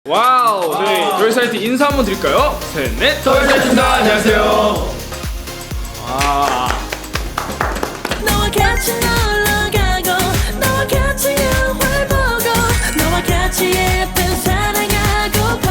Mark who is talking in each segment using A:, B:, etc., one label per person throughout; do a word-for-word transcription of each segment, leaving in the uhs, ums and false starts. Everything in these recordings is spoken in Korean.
A: 와우, 네, 저희 사이트 인사 한번 드릴까요? 셋, 넷. 저희 사이트입니다. 안녕하세요. 와.
B: 너와 같이 놀러 가고 너와 같이 영화를 보고 너와 같이 예쁜 사랑하고파.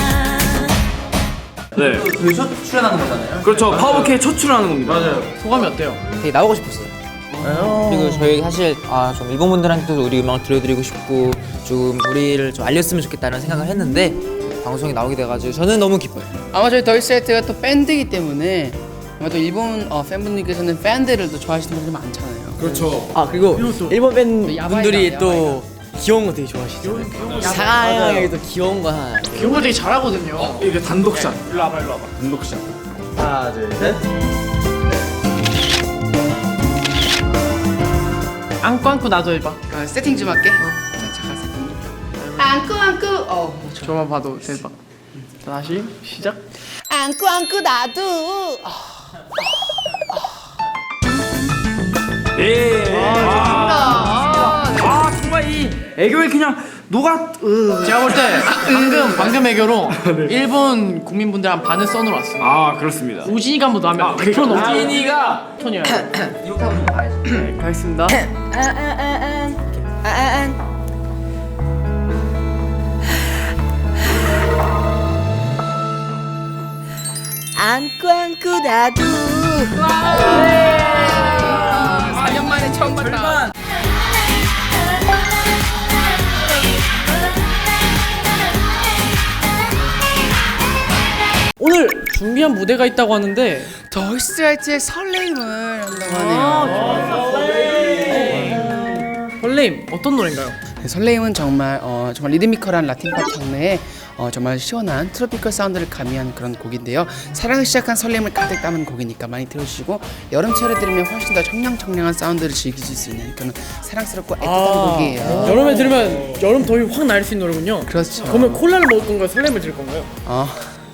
A: 네,
C: 저희 첫 출연하는 거잖아요.
A: 그렇죠. 파워케이 첫 출연하는 겁니다.
C: 맞아요.
A: 소감이 어때요?
D: 되게 나오고 싶었어요. 그리고 저희 사실 아, 좀 일본 분들한테도 우리 음악을 들려드리고 싶고 좀 우리를 좀 알렸으면 좋겠다는 생각을 했는데 방송에 나오게 돼가지고 저는 너무 기뻐요.
E: 아마 저희 더이사이트가 또 밴드이기 때문에 아마 또 일본 어, 팬분들께서는 팬들을 또 좋아하시는 분들이 많잖아요.
A: 그렇죠.
D: 아 그리고 일본 팬
E: 야바이다,
D: 분들이
E: 야바이다.
D: 또 귀여운 거 되게 좋아하시잖아요. 상하이 또 귀여운 거 하나.
E: 귀여운 거 되게 잘하거든요.
A: 어, 이게 단독샷. 일로 와봐, 일로 와봐. 단독샷.
C: 하나, 둘, 셋.
E: 안고 안고 나도 해봐. 아, 세팅 좀 할게. 자, 잠깐 세팅 좀. 안고 안고. 어, 저만 봐도 대박. 자, 다시 시작. 안고 안고 나도.
A: 예.
E: 아,
A: 아, 정말 이 애교에 그냥 녹아. 으.
E: 제가 볼 때 방금 방금 애교로 일본 국민분들 한 반을 써놓으러 왔어요.
A: 아, 그렇습니다.
E: 우진이가 한번 더 하면
A: 아,
E: 백 퍼센트 넘지.
A: 우진이가
E: 톤이야.
D: 이렇게 하고 좀 가야지.
E: 네, 가겠습니다.
B: 안고 안고 나도.
E: 사 년 만에 처음 봤다. 오늘 준비한 무대가 있다고 하는데 더이사이트의 설레임을 한다고 하네요. 설레임 어떤 노래인가요? 네, 설레임은 정말 어, 정말 리드미컬한 라틴팝 장르에 어, 정말 시원한 트로피컬 사운드를 가미한 그런 곡인데요. 사랑을 시작한 설렘을 가득 담은 곡이니까 많이 들어주시고 여름철에 들으면 훨씬 더 청량청량한 사운드를 즐기실 수 있는 그런 사랑스럽고 애틋한 곡이에요.
F: 여름에 들으면 여름 더위 확 날 수 있는 노래군요.
E: 그렇죠.
F: 그러면 콜라를 먹을 건가요? 설렘을 들을 건가요?
E: 어.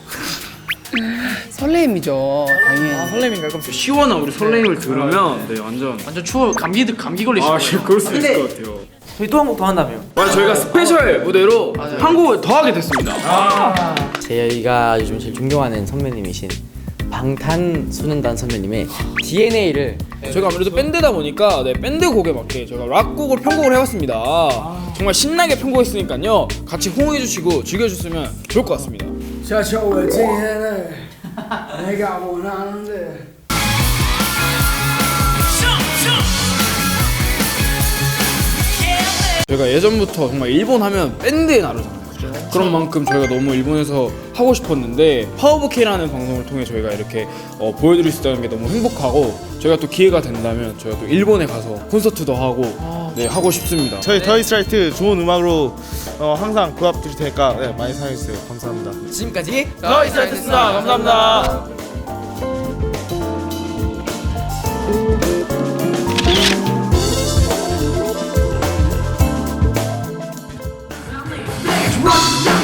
E: 설렘이죠, 당연히.
F: 아 설렘인가요? 그럼
A: 시원한 우리 설레임을 들으면 네, 완전.
E: 완전 추워 감기 감기 걸리실
A: 아,
E: 거예요.
A: 그럴 수 있을 것 같아요.
D: 저희 또 한 곡 더 한다며.
A: 맞아, 저희가 스페셜 무대로 한 곡을 더 하게 됐습니다.
D: 저희가 요즘 제일 존경하는 선배님이신 방탄소년단 선배님의 디엔에이를
A: 저희가 아무래도 밴드다 보니까 네, 밴드 곡에 맞게 저희가 락곡을 편곡을 해봤습니다. 정말 신나게 편곡했으니까요. 같이 호응해주시고 즐겨주셨으면 좋을 것 같습니다.
F: 자, 저 웨딩을 내가 원하는데
A: 저희가 예전부터 정말 일본 하면 밴드의 나라잖아요. 그런 만큼 저희가 너무 일본에서 하고 싶었는데 파워보케이라는 방송을 통해 저희가 이렇게 어, 보여드릴 수 있다는 게 너무 행복하고 저희가 또 기회가 된다면 저희가 또 일본에 가서 콘서트도 하고 네, 하고 싶습니다.
G: 저희 더이스트라이트 좋은 음악으로 어, 항상 보답 드릴 테니까 네, 많이 사랑해주세요. 감사합니다.
D: 지금까지
A: 더이스트라이트였습니다. 감사합니다.
B: Rock